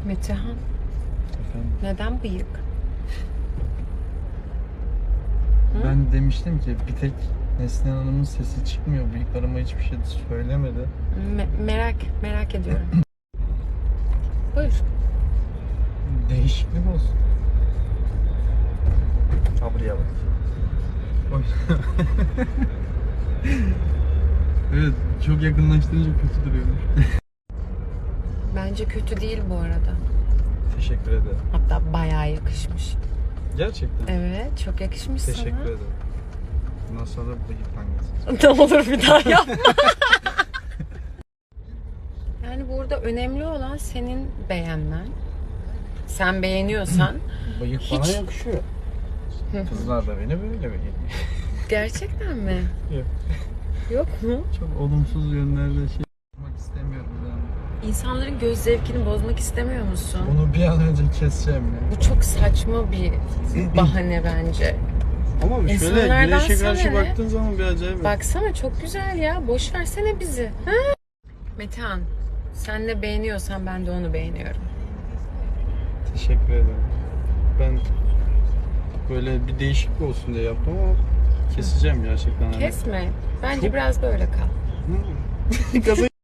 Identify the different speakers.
Speaker 1: Metehan,
Speaker 2: Efendim?
Speaker 1: neden bıyık?
Speaker 2: Ben demiştim ki bir tek Neslihan Hanım'ın sesi çıkmıyor. Bıyıklarıma hiçbir şey söylemedi.
Speaker 1: Merak ediyorum. Buyur.
Speaker 2: Değişiklik olsun.
Speaker 3: Abriye bak.
Speaker 2: Oy. Evet, çok yakınlaştırınca kötü duruyormuş.
Speaker 1: Bence kötü değil bu arada.
Speaker 2: Teşekkür ederim.
Speaker 1: Hatta bayağı yakışmış.
Speaker 2: Gerçekten.
Speaker 1: Evet, çok yakışmış
Speaker 2: Teşekkür
Speaker 1: sana.
Speaker 2: ederim. Bundan sonra bıyıktan gelsin.
Speaker 1: Ne olur bir daha yapma. Yani burada önemli olan senin beğenmen. Sen beğeniyorsan
Speaker 2: Bıyık
Speaker 1: Hiç-
Speaker 2: bana yakışıyor. Kızlar da beni böyle beğeniyor.
Speaker 1: gerçekten mi?
Speaker 2: Yok.
Speaker 1: Yok mu?
Speaker 2: Çok olumsuz yönlerde şey yapmak istemiyorum yani.
Speaker 1: İnsanların göz zevkini bozmak istemiyor musun?
Speaker 2: Bunu bir an önce keseceğim ya.
Speaker 1: Bu çok saçma bir bahane bence.
Speaker 2: Ama şöyle
Speaker 1: İnsanlardan
Speaker 2: güneşe
Speaker 1: sana
Speaker 2: karşı
Speaker 1: ne?
Speaker 2: baktığın zaman bir acayip.
Speaker 1: Baksana çok güzel ya. Boş versene bizi. Ha? Metehan, sen ne beğeniyorsan ben de onu beğeniyorum.
Speaker 2: Teşekkür ederim. Ben böyle bir değişiklik olsun diye yaptım ama keseceğim gerçekten.
Speaker 1: Kesme. Bence
Speaker 2: Çok-
Speaker 1: biraz böyle kal.
Speaker 2: Gaza